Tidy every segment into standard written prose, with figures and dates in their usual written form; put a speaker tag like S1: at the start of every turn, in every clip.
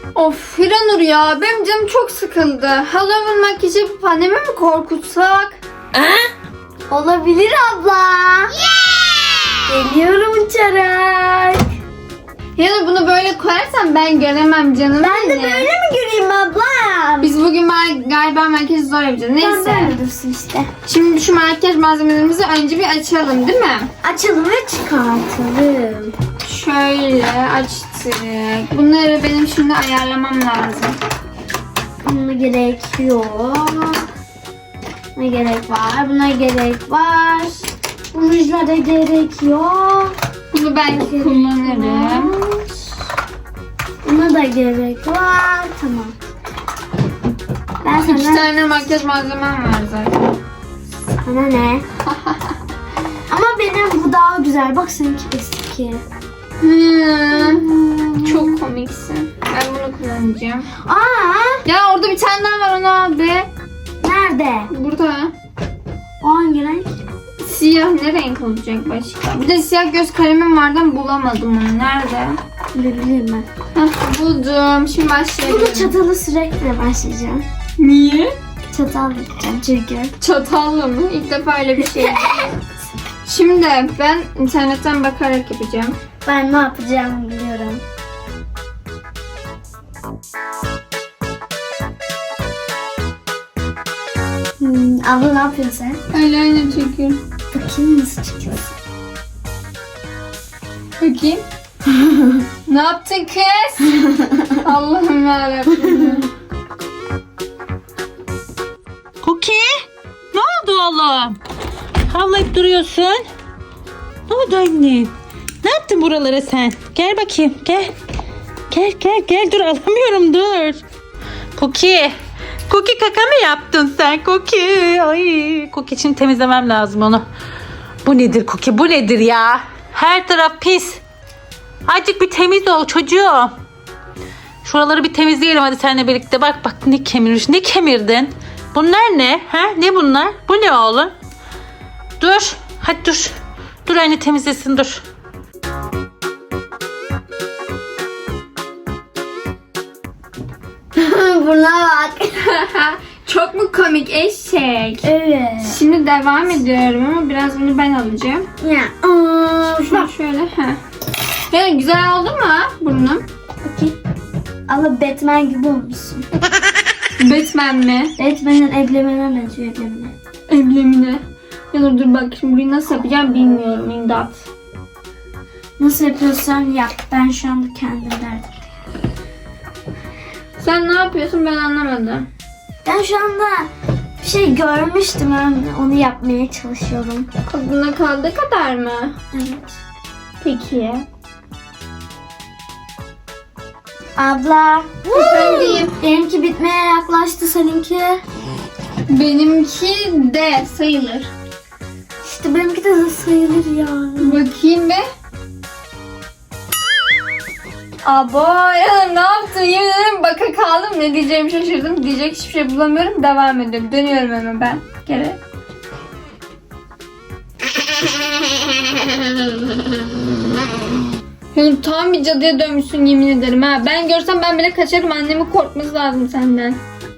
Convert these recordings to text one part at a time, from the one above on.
S1: Of Hiranur ya, benim canım çok sıkıldı. Halloween makyajı yapıp annemi mi korkutsak?
S2: Olabilir abla. Geliyorum uçarak.
S1: Hiranur, bunu böyle koyarsan ben göremem canım.
S2: Ben de
S1: benim.
S2: böyle mi göreyim abla?
S1: Biz bugün galiba makyajı zor yapacağız. Neyse.
S2: Böyle dursun işte.
S1: Şimdi şu makyaj malzemelerimizi önce bir açalım, değil mi?
S2: Açalım ve çıkartalım.
S1: Şöyle açtık. Bunları benim şimdi ayarlamam lazım.
S2: Buna gerek yok. Buna gerek var. Buna gerek var. Bu rujlara gerek yok.
S1: Bunu ben kullanırım.
S2: Buna da gerek var. Tamam. Ben
S1: İki
S2: sana...
S1: tane makyaj malzemem var zaten.
S2: Sana ne? Ama benim bu daha güzel. Bak seninki eski.
S1: Çok komiksin. Ben bunu kullanacağım.
S2: Aa,
S1: Ya orada bir tane daha var, onu al be.
S2: nerede?
S1: Burada.
S2: O hangi renk?
S1: Siyah ne renk olacak başka? Bir de siyah göz kalemim vardı ama bulamadım onu. Nerede?
S2: Ne bileyim ben.
S1: Hah, buldum. Şimdi başlayalım.
S2: Bunu çatalı sürekli başlayacağım.
S1: Niye?
S2: Çatal yapacağım çünkü.
S1: Çatalla mı? İlk defa öyle bir şey. Şimdi ben internetten bakarak yapacağım.
S2: Ben ne yapacağımı biliyorum. Abla ne yapıyorsun sen?
S1: Öyle çekiyorum.
S2: Bakayım nasıl çıkıyorsun.
S1: Bakayım. Ne yaptın kız? Allah'ım yarabbim.
S3: Cookie, ne oldu oğlum? Havlayıp duruyorsun. Ne oldu anne? Ne yaptın buralara sen? Gel bakayım, gel. Gel, dur alamıyorum, dur. Cookie kaka mı yaptın sen Cookie? Ay, Cookie için temizlemem lazım onu. Bu nedir Cookie, bu nedir ya? Her taraf pis. Azıcık bir temiz ol çocuğum. Şuraları bir temizleyelim hadi seninle birlikte. Bak ne kemirmiş, ne kemirdin? Bunlar ne? Ha? Ne bunlar? Bu ne oğlum? Dur. Hadi dur. Dur anne temizlesin dur.
S2: Buna bak.
S1: Çok mu komik eşek?
S2: Evet.
S1: Şimdi devam ediyorum ama biraz bunu ben alacağım.
S2: Ya.
S1: Şunu şöyle. Heh. Ya güzel oldu mu burnum?
S2: Bakayım. Abla Batman gibi olmuşsun.
S1: Batman mi?
S2: Batman'in eblemene benziyor eblemene.
S1: Emblemine. Ya dur bak, şimdi burayı nasıl yapacağım bilmiyorum, imdat.
S2: Nasıl yapıyorsan yap. Ben şu anda kendim derdim.
S1: Sen ne yapıyorsun, ben anlamadım.
S2: Ben şu anda bir şey görmüştüm. Ben onu yapmaya çalışıyorum.
S1: Aklına kaldığı kadar mı?
S2: Evet.
S1: Peki.
S2: Abla.
S1: Efendim?
S2: Benimki bitmeye yaklaştı, seninki.
S1: Benimki de sayılır.
S2: İşte benimki de sayılır ya.
S1: Bakayım be. Abo ya, ne yaptın? Yemin ederim baka kaldım. Ne diyeceğimi şaşırdım. Diyecek hiçbir şey bulamıyorum. Devam ediyorum. Dönüyorum hemen ben. Geri. Yani tam bir cadıya dönmüşsün yemin ederim ha. Ben görsem ben bile kaçarım. Annemin korkması lazım senden.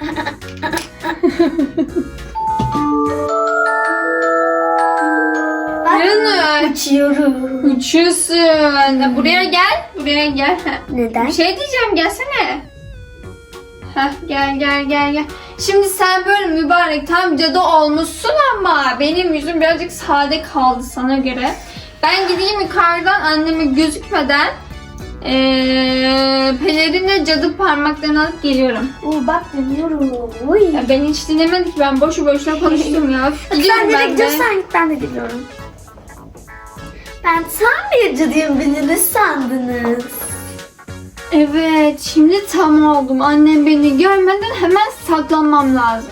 S1: Yanır.
S2: Uçuyorum.
S1: Uçuyorsun. Buraya gel. Buraya gel.
S2: Neden?
S1: Bir şey diyeceğim, gelsene. Heh, gel. Şimdi sen böyle mübarek tam cadı olmuşsun ama benim yüzüm birazcık sade kaldı sana göre. Ben gideyim yukarıdan anneme gözükmeden pelerinle cadı parmaklarını alıp geliyorum.
S2: Oo bak dönüyorum. Uy.
S1: Ya ben hiç dinlemedik, ben boşu boşuna konuştum ya. Gidiyorum
S2: Sen nereye
S1: ben de.
S2: gidiyorsan git, ben de gidiyorum. Ben tam bir cadıyım, beni ne sandınız?
S1: Evet, şimdi tam oldum. Annem beni görmeden hemen saklanmam lazım.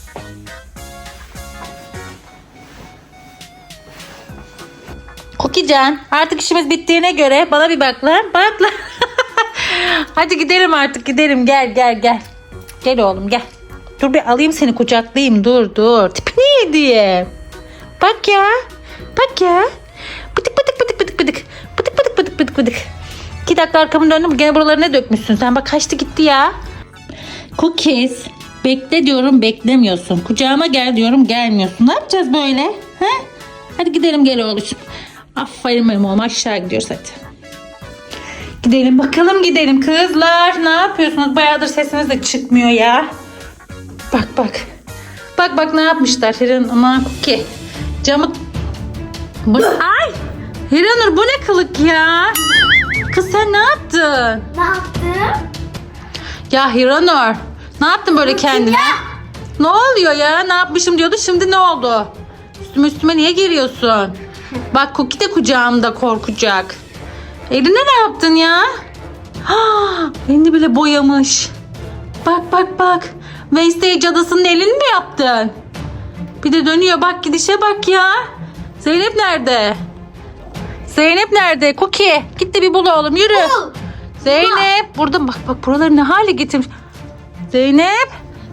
S3: Cookiecan artık işimiz bittiğine göre bana bir bak lan. Bak lan. Hadi gidelim artık, gidelim. Gel. Gel oğlum gel. Dur bir alayım seni, kucaklayayım. Dur. Tipi neydi? Bak ya. Bıdık. 2 dakika arkamı döndüm. Gene buraları ne dökmüşsün sen? Bak kaçtı gitti ya. Cookies. Bekle diyorum beklemiyorsun. Kucağıma gel diyorum gelmiyorsun. Ne yapacağız böyle? He? Hadi gidelim gel oğlum. Aferin benim oğlum aşağı gidiyoruz hadi. Gidelim bakalım gidelim kızlar. Ne yapıyorsunuz? Bayağıdır sesiniz de çıkmıyor ya. Bak bak. Bak bak ne yapmışlar. Hiran aman Cookie. Camı... Ay! Hiranur bu ne kılık ya? Kız sen ne yaptın?
S2: Ne yaptım?
S3: Ya Hiranur. Ne yaptın böyle kendine? Ne oluyor ya? Ne yapmışım diyordu. Şimdi ne oldu? Üstüme niye geliyorsun? Bak Cookie de kucağımda korkacak. Eline ne yaptın ya? Elini bile boyamış. Bak bak bak. Wednesday cadısının elini mi yaptın? Bir de dönüyor bak gidişe bak ya. Zeynep nerede? Zeynep nerede? Cookie git de bir bul oğlum yürü. Zeynep burada bak bak buraları ne hale getirmiş. Zeynep.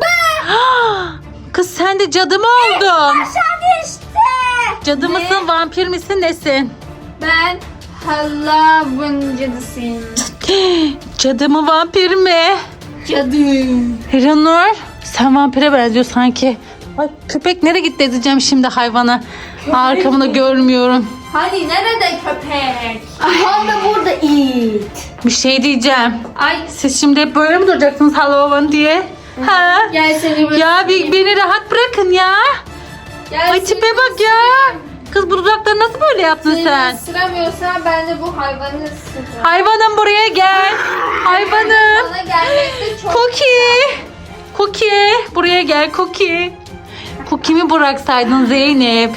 S3: Kız sen de cadı mı oldun?
S2: Aşağı düştü.
S3: Cadı mısın vampir misin nesin?
S1: Ben Halloween cadısıyım.
S3: Cadı mı vampir mi?
S1: Cadı.
S3: Hiranur sen vampire benziyor sanki. Ay köpek nereye gitti edeceğim şimdi hayvana. Arkamı da görmüyorum.
S1: Hani nerede köpek?
S2: Aha da burada it.
S3: Bir şey diyeceğim.
S1: Ay
S3: Siz şimdi hep böyle mi duracaksınız Halloween diye? Ha?
S1: gel seni böyle.
S3: Ya beni rahat bırakın ya.
S1: Gel
S3: Ay
S1: seni
S3: tipe bak ya. Kız bu dudakları nasıl böyle yaptın
S1: Seni
S3: sen?
S1: ısıramıyorsan ben de bu hayvanı ısırırım.
S3: Hayvanım buraya gel. Hayvanım.
S1: Bana gelmekte çok
S3: Cookie. Cookie. Buraya gel Cookie. Cookie'mi bıraksaydın Zeynep.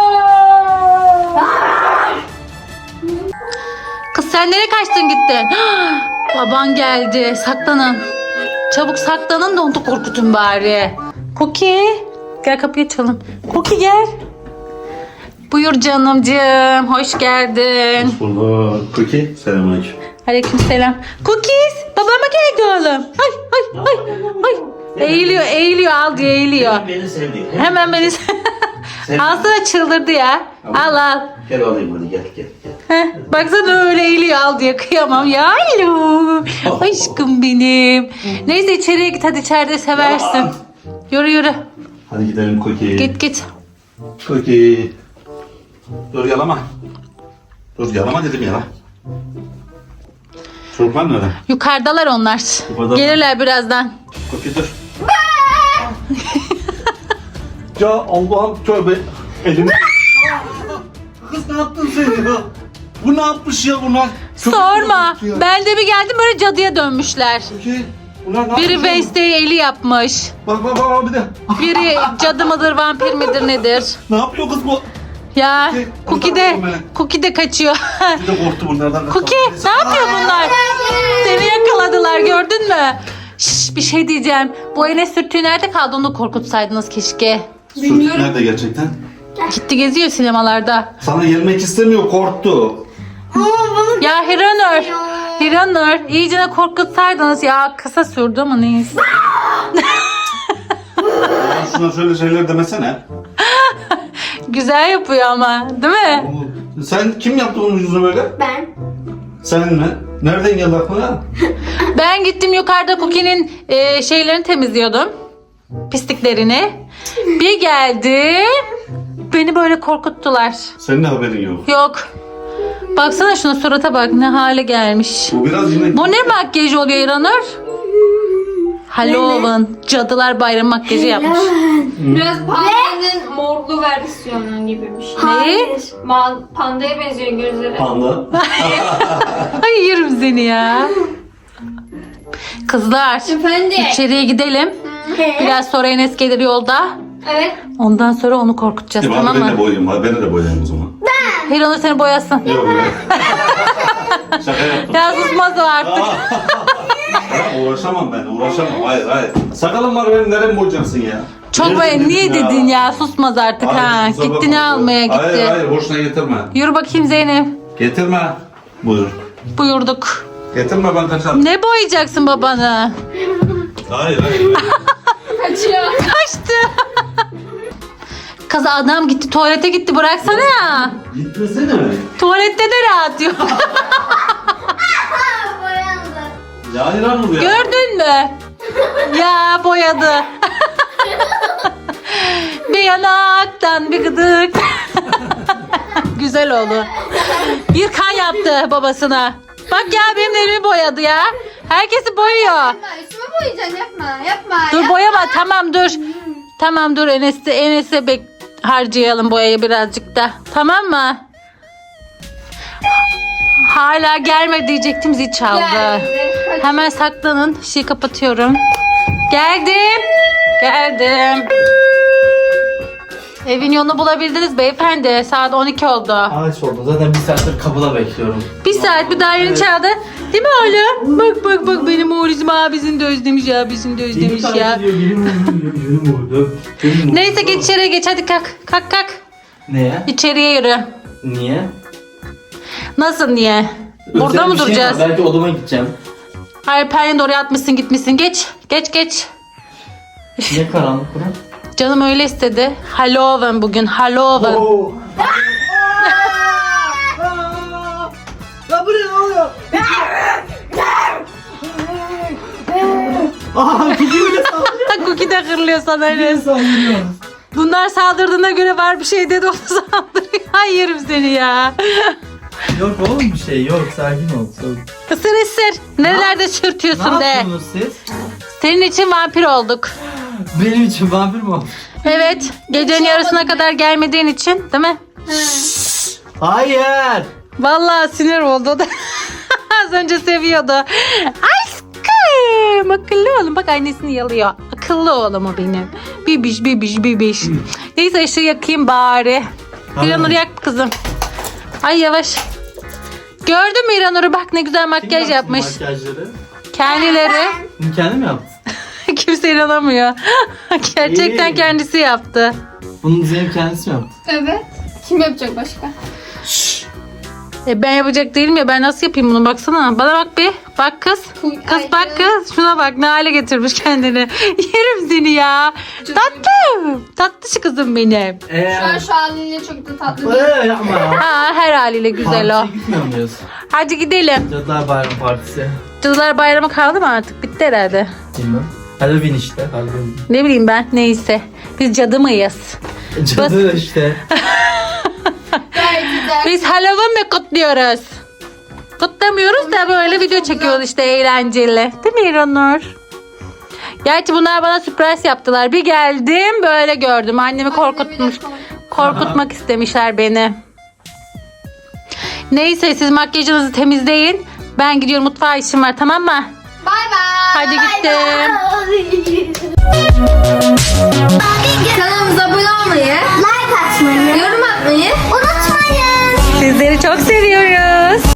S3: Kız sen nereye kaçtın gittin? Baban geldi. Saklanın. Çabuk saklanın da onu korkutun bari. Cookie. Gel kapıyı açalım. Cookie gel. Buyur canımcığım. Hoş geldin.
S4: Hoş bulduk. Cookie, selamünaleyküm.
S3: Aleykümselam. Cookies. Babama geldi oğlum. Ay ay ay ay. Eğiliyor al diye eğiliyor.
S4: Beni sevdi.
S3: Hemen beni alsana çıldırdı ya. Al.
S4: Gel alayım hadi gel.
S3: Heh, baksana öyle eğiliyor al diye kıyamam ya. Alo. Aşkım benim. Neyse içeriye git hadi içeride seversin. Yürü.
S4: Hadi gidelim Cookie.
S3: Git.
S4: Cookie. Dur yalama. Dur yalama dedim yala. Çocuklar nerede?
S3: Yukarıdalar onlar.
S4: Yukarıda mı?
S3: Gelirler birazdan.
S4: Cookie dur. Ya Allah'ım tövbe. Elimi. Kız ne yaptın sen ya? Bu ne yapmış ya bunlar? Çok
S3: Sorma.
S4: kötü ya.
S3: Ben de bir geldim böyle cadıya dönmüşler.
S4: Cookie. Bunlar ne
S3: Biri
S4: yapmış ya?
S3: Wednesday'e eli yapmış.
S4: Bak bir de.
S3: Biri cadı mıdır vampir midir nedir?
S4: Ne yapıyor kız bu?
S3: Ya
S4: Cookie,
S3: Cookie de kaçıyor.
S4: Bir de korktu bunlardan.
S3: Cookie ne yapıyor bunlar? Seni yakaladılar gördün mü? Şş, bir şey diyeceğim. Bu Enes sürtüğü nerede kaldı onu da korkutsaydınız keşke.
S4: Sürtük nerede gerçekten?
S3: Gitti geziyor sinemalarda.
S4: Sana gelmek istemiyor, korktu.
S3: Ya Hiranur iyicene korkutsaydınız ya kısa sürdü ama neyse.
S4: Ya şuna şöyle şeyler demesene.
S3: Güzel yapıyor ama değil mi?
S4: Sen kim yaptı onun yüzünü böyle?
S2: Ben.
S4: Sen mi? Nereden geldi aklına?
S3: Ben gittim yukarıda Cookie'nin şeylerini temizliyordum. Pisliklerini. Bir geldim. Beni böyle korkuttular.
S4: Senin de haberin yok.
S3: Yok. Baksana şuna surata bak ne hale gelmiş.
S4: Bu biraz yine...
S3: Bu ne makyajı oluyor İranur? Halloween. Cadılar Bayramı makyajı yapmış.
S1: Biraz pandanın morlu versiyonu gibi bir şey.
S3: Neyi?
S1: Pandaya benziyor gözleri.
S4: Panda.
S3: Ay yerim seni ya. Kızlar.
S1: Efendim?
S3: İçeriye gidelim. Biraz sonra Enes gelir yolda.
S1: Evet.
S3: Ondan sonra onu korkutacağız tamam
S4: Ben de
S3: mı?
S4: boyayayım. Beni de boyayayım o zaman.
S3: Hiranur seni boyasın.
S4: Yok ya. Şaka yaptım.
S3: Ya susmaz o artık.
S4: Ya uğraşamam ben. Hayır. Sakalım var benim. Nereye boyayacaksın ya?
S3: Çok böyle niye dedin ya susmaz artık
S4: Hayır,
S3: ha.
S4: kusura
S3: Gitti
S4: bakma.
S3: ne almaya gitti.
S4: Hayır boşuna getirme.
S3: Yürü bakayım Zeynep.
S4: Getirme. Buyur.
S3: Buyurduk.
S4: Getirme ben kaçarım.
S3: Ne boyayacaksın babanı?
S4: Hayır.
S1: Kaçıyor.
S3: Kaçtı. Kız adam gitti tuvalete gitti bıraksana ya.
S4: Gitmesene.
S3: Tuvalette de rahat yok.
S4: Ya İranur ya.
S3: Gördün mü? Ya boyadı. Bir yanaktan bir gıdık. Güzel oldu. Bir kan yaptı babasına. Bak ya benim de elimi boyadı ya. Herkesi boyuyor.
S1: Yapma, üstüme boyayacaksın, yapma.
S3: Dur
S1: yapma.
S3: boyama, tamam dur. Tamam dur, Enes'e harcayalım boyayı birazcık da. Tamam mı? Hala gelme diyecektim, zil çaldı.
S1: Geldi. Hadi.
S3: Hemen saklanın. Şeyi kapatıyorum. Geldim. Evin yolunu bulabildiniz beyefendi. Saat 12 oldu.
S5: Ağaç oldu. Zaten bir saattir kapıda bekliyorum.
S3: Bir saat bir daha yeni çaldı. Değil mi oğlum? Bak benim oğlum abisini de özlemiş ya. Abisini de özlemiş ya. Neyse geç içeriye geç, hadi kalk.
S5: Neye?
S3: İçeriye yürü.
S5: Niye?
S3: Nasıl niye? Burada
S5: Özel
S3: mı
S5: bir şey
S3: duracağız?
S5: var. Belki odama gideceğim.
S3: Hayır, perdeni de oraya atmışsın gitmişsin. Geç.
S5: Ne karanlık bura?
S3: Canım öyle istedi. Halloween bugün. Halloween.
S5: Ya bu ne oluyor? Aha Cookie bile saldırıyor.
S3: Cookie de hırlıyor sana Enes.
S5: Saldırıyor.
S3: Bunlar saldırdığına göre var bir şey dedi, onu saldırıyor. Ay yerim seni ya.
S5: Yok oğlum bir şey yok. Sakin ol.
S3: Isır. Nerelerde
S5: Ne
S3: sürtüyorsun de.
S5: yapıyorsunuz siz?
S3: Senin için vampir olduk.
S5: Benim için vampir mi oldu?
S3: Evet. Gecenin yarısına kadar gelmediğin için değil mi?
S5: Hayır.
S3: Vallahi sinir oldu o da. Az önce seviyordu. Aşkım. Akıllı oğlum. Bak annesini yalıyor. Akıllı oğlum o benim. Bibiş. Neyse ışığı yakayım bari.
S5: Tamam.
S3: İranur yak kızım. Ay yavaş. Gördün mü İranur'u? Bak ne güzel makyaj
S5: Kim yaptı
S3: yapmış.
S5: Makyajları.
S3: Kendileri.
S5: Bunu kendi mi yaptın?
S3: Kimse inanamıyor. Gerçekten
S5: İyi.
S3: kendisi yaptı.
S5: Bunu Zeynep kendisi mi yaptı?
S1: Evet. Kim yapacak başka?
S3: Ben yapacak değilim ya, ben nasıl yapayım bunu, baksana. Bana bak bir. Bak kız. Kız bak kız. Şuna bak ne hale getirmiş kendini. Yerim seni ya. Tatlı şu kızım benim.
S1: Şu halinle çok da tatlı değil.
S5: Yapma ya.
S3: Ha, her haliyle güzel o.
S5: Partiye gitmiyor muyuz?
S3: Hadi gidelim.
S5: Cadılar Bayramı Partisi.
S3: Cadılar Bayramı kaldı mı artık? Bitti herhalde.
S5: Bilmem. Halloween işte. Halloween.
S3: Ne bileyim ben. Neyse. Biz cadı mıyız?
S5: Cadı işte.
S1: Gayet güzel.
S3: Biz Halloween mi kutluyoruz? Kutlamıyoruz da böyle video çekiyoruz işte, eğlenceli. Değil mi İranur? Gerçi bunlar bana sürpriz yaptılar. Bir geldim böyle gördüm. Annemi korkutmak istemişler beni. Neyse siz makyajınızı temizleyin. Ben gidiyorum, mutfağa işim var, tamam mı?
S1: Bay bay.
S3: Hadi gittim.